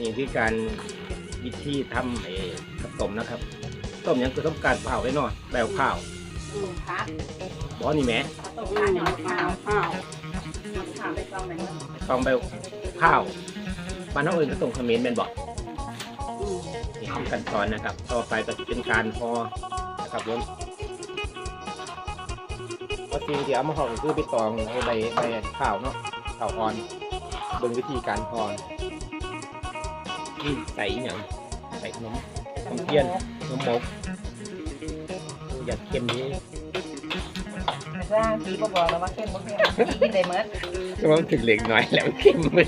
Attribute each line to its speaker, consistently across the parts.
Speaker 1: นี่คือการวิธีทำข้าวต้มนะครับต้มยังคือต้องการเผาไว้หน่อยแบบข้าว
Speaker 2: ครับ
Speaker 1: บ่นี่แม่
Speaker 2: ต้มข้าวเหนียวข้าวไปกองไหน
Speaker 1: ต้องแบบข้าวบ้านน้องอื่นก็ต้มขมิ้นเป็นบ่นี่คือขั้นตอนนะครับต่อไปก็จะเป็นการห่อนะครับผมพอสิ่งที่เอามาห่อก็คือใบตองเอาใบข้าวเนาะข้าวอ่อนเบิ่งวิธีการห่อใส่อย่างใส่ขนมเทียนขนมหมกอยากเค็มนี้
Speaker 2: ร่างผีบอกแล้วว่าเค็มบ่เค็มกินได้เมื่อ
Speaker 1: ก็มันถึงเล็กน้อยแล้วเค็มเลย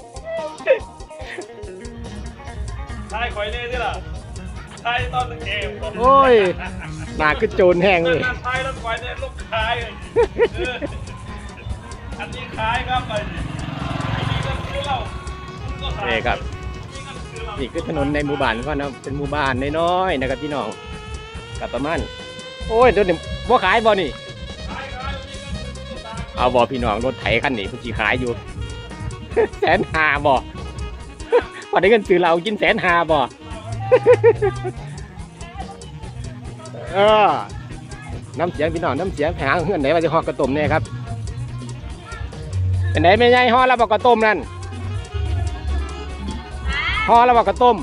Speaker 3: ใช่คอยเล่นนี่ล่ะใช่ตอนเกม
Speaker 1: โอ้ยหนาคือโจรแห้งเลย
Speaker 3: ใช่แล้วคอยเล่นลูกคายอันนี้คายครับไปนี่ก็คือเรา
Speaker 1: นี่ครับนี่คือถนนในหมู่บ้านก็นะเป็นหมู่บ้านน้อยๆนะครับพี่น้องกับประมาณโอ้ยเดี๋ยวนี้บ่ขายบ่นี่เอาบ่พี่น้องรถไถคันนี้พี่ขายอยู่150,000บ่พอได้เงินซื้อเรากิน150,000บ่น้ำเสียงพี่น้องน้ำเสียงหาเงินไหนมาจะห่อกระต้มเนี่ยครับเป็นไหนไม่ใช่ห่อแล้วบอกกระต้มนั่นห่อแล้วบอกกระต้ม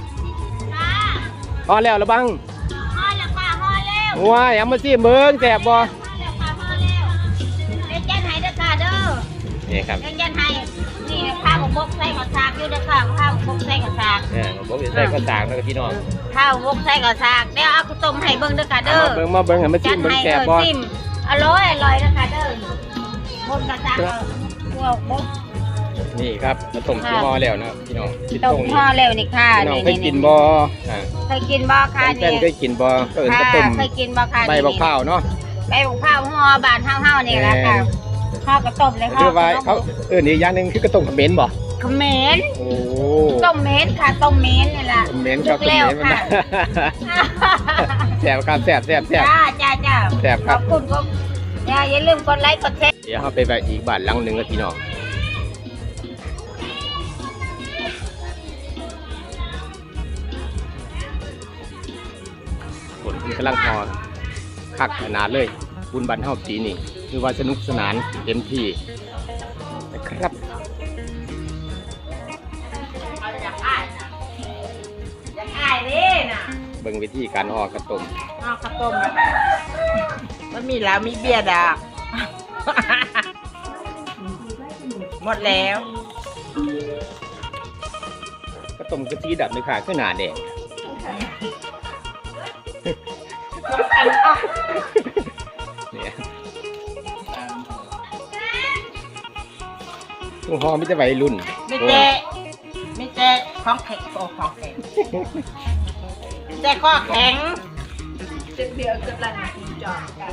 Speaker 1: ห่อแล้วหรือบัง
Speaker 4: ห่อแล้วค่ะห่อแล้ว
Speaker 1: ว้ายเอามาซิเบิ้งแสบบ่
Speaker 4: ห่อแล้วค่ะห่อแล้วเล่นยันไห้เด้อค่ะเด้อ
Speaker 1: นี่ครับ
Speaker 4: เล่นยันไห้นี่ข้าวบกใส่ข้าวสากอยู่เด้อค่ะข้าวบกใส่ข้าวสาก
Speaker 1: บกใส่ข้าวสากแล้วพี่น้อง
Speaker 4: ข้าวบกใส่ข้าวสากเดี๋ยวเอาข้าวต้มให้เบิ้งเด้อค่ะเด้อ
Speaker 1: มาเบิ้งให้มาซิเบิ้งแสบบ่
Speaker 4: อร่อยเด้อค่ะเด้อบนข้าวสากพวกบก
Speaker 1: นี่ครับมาต้มที่ห่อแล้วนะพี่น้อง
Speaker 4: ต้มห่อแล้วนี่ค่ะ
Speaker 1: น้องเคยกินบ่
Speaker 4: เคยกินบ่ค่ะ
Speaker 1: นี่เคยกินบ่ก็เอิ้นข้าวต้ม
Speaker 4: เคยกินบ่ค่ะ
Speaker 1: ใบบักพร้าวเนาะ
Speaker 4: ใบบักพร้าวห่อบานเฮาๆนี่แหละค่ะห่อกระต้มเลยห่อ
Speaker 1: เขาอีกอย่างนึงคือกระต้มขมิ้นบ่
Speaker 4: ขมิ้นโอ้ต้มเม้นค่ะต้มเม้นนี่แหละ
Speaker 1: ขมิ้นก็ขมิ้นมันแซ่บครับแซ่บ
Speaker 4: จ้า
Speaker 1: แซ่บครับ
Speaker 4: ขอบคุณครับอย่าลืมกดไลค์กดแชร์
Speaker 1: เดี๋ยวเราไปอีกบ้านหลังนึงกับพี่น้องฝนกำลังพอคักขนาดเลยบุญบันเฮาปีนี่คือว่าสนุกสนานเต็มที่นะครับเบิ่งวิธีการห่อกระต้ม
Speaker 2: ข้าวต้มมันมีแล้วมีเบียร์ดากหมดแล้ว
Speaker 1: กระต้มกะทิดับเลยค่ะขึ้นหนาแดงเนี่ยตุ้งหอมไม่จะไหวรุ่น
Speaker 2: ไม่เจ๊ของแข็งของแข็งเจ๊ก็แข็งเจ๊เบียร์กำลังจอดกัน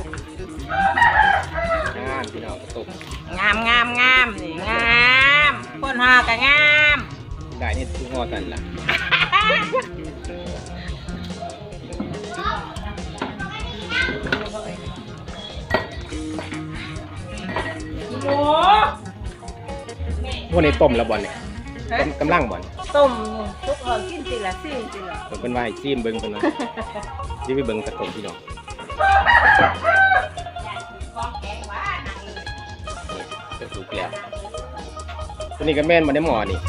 Speaker 1: งามพี่น้องกระตุก
Speaker 2: งามนี่งามคนห่อก็งาม
Speaker 1: ได้นี่ตุ้งหอกันล่ะพวกนี้ต้มแล้วบอลเนี่ยกำลังบอล
Speaker 2: ต้มทุกคนกินสิละซิมสิละ
Speaker 1: เป็นว่าซิมเบิ้งเป็นว่าที่ไปเบิ้งกระต้มพี่น้องจะสุกแล้วตัวนี้ก็แม่นมาได้หมอนี่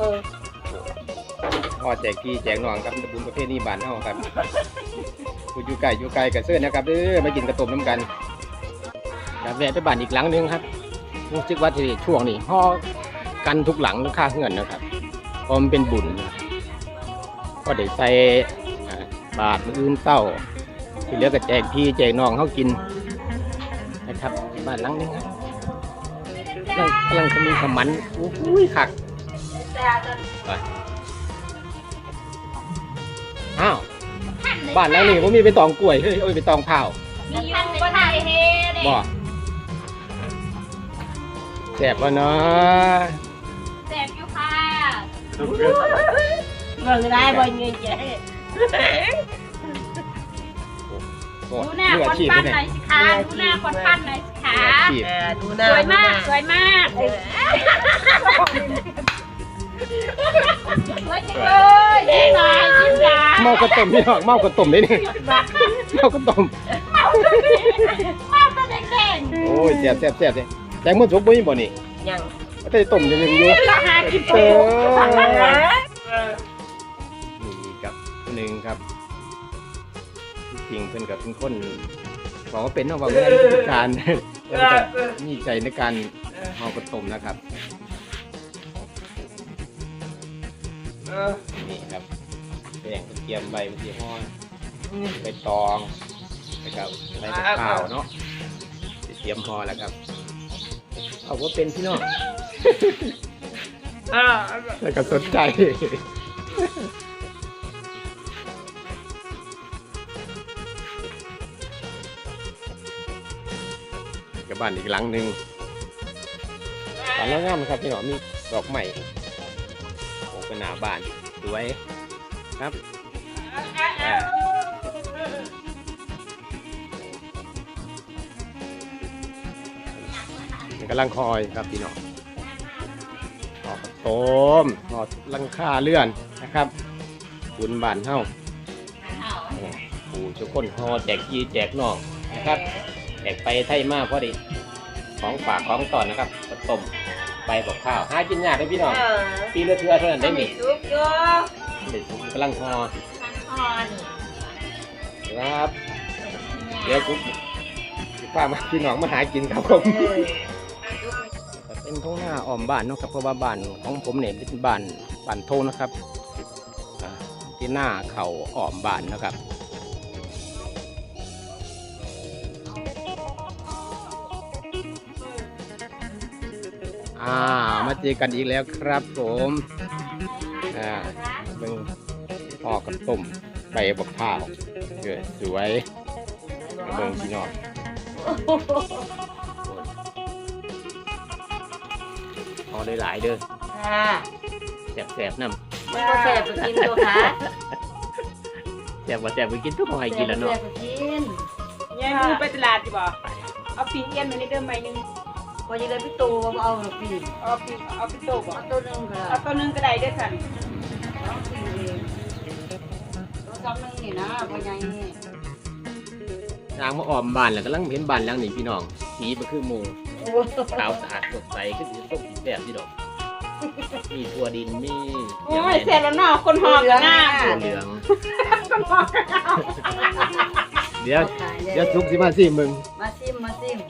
Speaker 1: พ่อแจกพี่แจกน้องครับบุญประเภทนี้บ้านเฮาครับอยู่ไกลกับเสื้อนะครับมากินกระต้มน้ำกันแล้วแวะไปบ้านอีกหลังนึงครับรู้สึกว่าที่ช่วงนี้ห่อกันทุกหลังค่าเงินนะครับเพราะมันเป็นบุญก็ได้ใส่บาตรมื้ออื่นเศร้าที่เหลือก็แจกพี่แจกน้องเขากินนะครับบ้านหลังนึงครับกำลังจะมีขมันอุ้ยขักอ้าวบ้านหลังนี้ผมมีไปตองกล้วยเฮ้ยไปตองเผา
Speaker 4: มีอยู่บ่ได้เฮ็ด
Speaker 1: บ่แซ่บวะเนาะ
Speaker 4: แซ่บอยู่ค่ะ
Speaker 2: เบิ่งได้บ่เงี้ยเจ๊
Speaker 4: ดูหน้าคนปั้นหน่อยสิคะดูหน้าคนปั้นหน่อยสิคะสวยมาก
Speaker 2: ว่าจังเลยยิ้มหน่อยยิ้มหน่อย
Speaker 1: เมากระต้มพี่น้องเมากระต้มเลยนี่เมากระต้ม
Speaker 2: มาตัวแดง
Speaker 1: โอ้ยแซ่บเลยแตงมันสุกบ่มีบ่นี่
Speaker 2: ๆยัง
Speaker 1: ก็ได้ต้มยังอยู่
Speaker 2: ราคากิน
Speaker 1: เอ
Speaker 2: โต
Speaker 1: อนี่กับคนหนึ่งครับจริงเพิ่นกับเป็นคนบอกว่าเป็นเนาะว่าเป็นการเพิ่นก็มีใจในการเมากระต้มนะครับนี่ครับแป้งเตรียมใบมะเขือห้อนใบตองแล้วก็ใบมะพร้าวเนาะเตรียมห่อแล้วครับเอาว่าเป็นพี่น้องแล้วก็สนใจกับบ้านอีกหลังหนึ่งบ้านแล้วงามครับพี่น้องมีดอกใหม่โอ้เป็นหน้าบ้านสวยครับกำลังคอยครับพี่น้องหอกโตมหอลังคาเลื่อนนะครับบุญบ้านเฮาผู้ทุกคนหอแจกยีแจกนอกนะครับแจกไปไทยมากพอดีของฝากของต่อนนะครับกระต้มใบบอกข้าวหากินยากเลยพี่น้องปีละเทื่อเท่านั้นได้หนิ
Speaker 2: ซุปโย
Speaker 1: กำลังหอครับเดี๋ยวผมป้ามาพี่น้องมาหากินครับผมเป็นท้องหน้าอ้อมบ้านเนาะครับเพราะว่าบ้านของผมเนี่ยเป็นบ้านโทนะครับที่หน้าเขาอ้อมบ้านนะครับมาเจอกันอีกแล้วครับผมเบิ่งพ่อกับต้มใบบักข้าวเกิดสวยเบิ่งพี่น้องพอได้หลายเด้อ
Speaker 2: ค่ะ
Speaker 1: แสบน้ำ
Speaker 2: มันก็แซ่บไปกินตัวค่ะ
Speaker 1: แสบไปกินทุกคนให้กินแล้วเนาะ
Speaker 2: แซ่บไปกิน
Speaker 5: ยังดูไปตลาดดีบ่เอาปีนเอี้ยนมาในเดิมใบหนึง
Speaker 2: พอจะเลยพี่ตูเอาหนูปี
Speaker 5: เอาปีนโตบ่
Speaker 2: เอาตัวนึงก็
Speaker 5: เอาตัวหนึงก็ได้เด้อสัน
Speaker 2: เอาปีเองตัวสองนึงนี่นะพอใหญ่นี่
Speaker 1: ทางมาอ้อมบ้านแล้วกำลังเห็นบ้านหลังนี้พี่น้องสีมันคือหมู
Speaker 2: โอ้
Speaker 1: ขาวสะอาดสดใสคือสีส้มสีแซ่บพี่ดอกมีถั่วดินมี
Speaker 5: โอ้ยเสร็จแล้วเนาะคนหอกกันหน้า
Speaker 1: ถั่วเหลือง
Speaker 5: คนหอกกันหน้า
Speaker 1: เดี๋ยวทุกสิมาสิมึง
Speaker 2: มาซิมมาซิม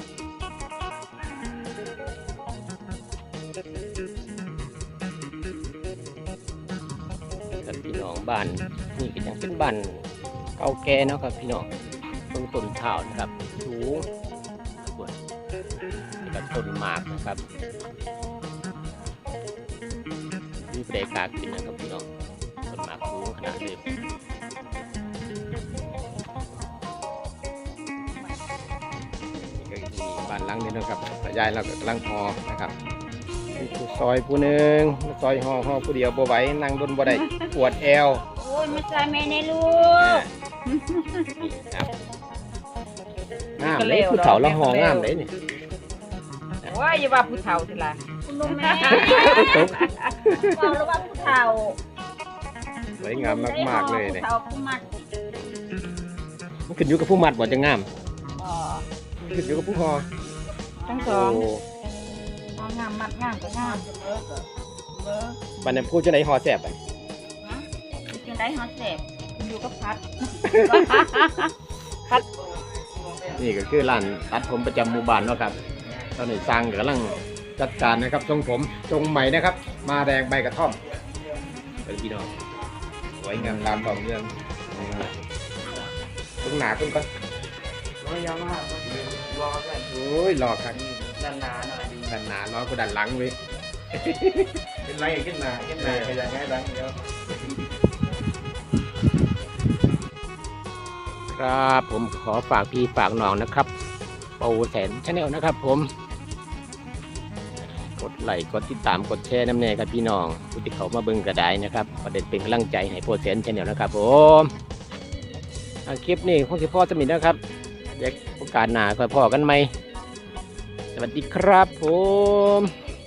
Speaker 1: กับพี่น้องบ้านนี่ก็ยังเป็นบ้านเก่าแก่เนาะครับพี่น้องต้นเท้านะครับสูงส่วนนี่ก็ต้นหมากนะครับมีเปรกากินนะครับพี่น้องต้นหมากสูงขนาดนี้นี่ก็มีบ้านหลังนี้นะครับยายเราก็กำลังพอนะครับมีผู้ซอยผู้หนึ่งซอยห่อผู้เดียวบ่ไหวนั่งบนบ่ได้ปวดแอว
Speaker 4: โอ้ยมาใส่แม่ในลูก
Speaker 1: ครับงามเลยผู้เฒ่าละหองามเลยนี่
Speaker 5: โอ้ยอย่าว่าผู้เฒ่าทีละ
Speaker 4: คุณลุงแม่
Speaker 1: ตก
Speaker 4: บอกแล้วว่าผู้เฒ่า
Speaker 1: สวยงามมากๆเลยเนี่ย
Speaker 4: ผู้เฒ่าผู้มัด
Speaker 1: มันขึ้นอยู่กับผู้มัดบ่จะงาม
Speaker 4: อ๋อ
Speaker 1: มันขึ้นอยู่กับผู้หอ
Speaker 5: ทั้งสอง
Speaker 1: โอ้
Speaker 4: เอางามมัดงามก็งามเบอร์
Speaker 1: บัดนั้นผู้จะได้หอแซ่บไป
Speaker 4: กินได้ฮอตเสพอยู่กับพัด
Speaker 1: นี่ก็คือร้านตัดผมประจำหมู่บ้านเนาะครับตอนนี้สร้างกำลังจัดการนะครับทรงผมทรงใหม่นะครับ มาแดงใบกระท่อมเป็นพี่น้องสวยงามตามต่อเรื่องตรงหนาขึ้นก่อน
Speaker 3: ยาวมากรอกัน
Speaker 1: โอ้ยหลอกครับ
Speaker 3: ด้านหน้าหน่อยดี
Speaker 1: ดันหนาน้อยกว่าดันหลังเว้ย
Speaker 3: เป็นไรขึ้นมาขยันง่ายดังเดียว
Speaker 1: ครับผมขอฝากพี่ฝากน้องนะครับเปาแสนชาแนลนะครับผมกดไลค์กดติดตามกดแชร์น้ำแน่ครับพี่น้องผู้ที่เขามาเบิ่งกระไดนะครับประเด็นเป็นกำลังใจให้โปรแสนชาแนลนะครับผมคลิปนี้คงจะพ่อสมิธนะครับเดี๋ยวโอกาสหน้าค่อยพ่อกันไหมสวัสดีครับผม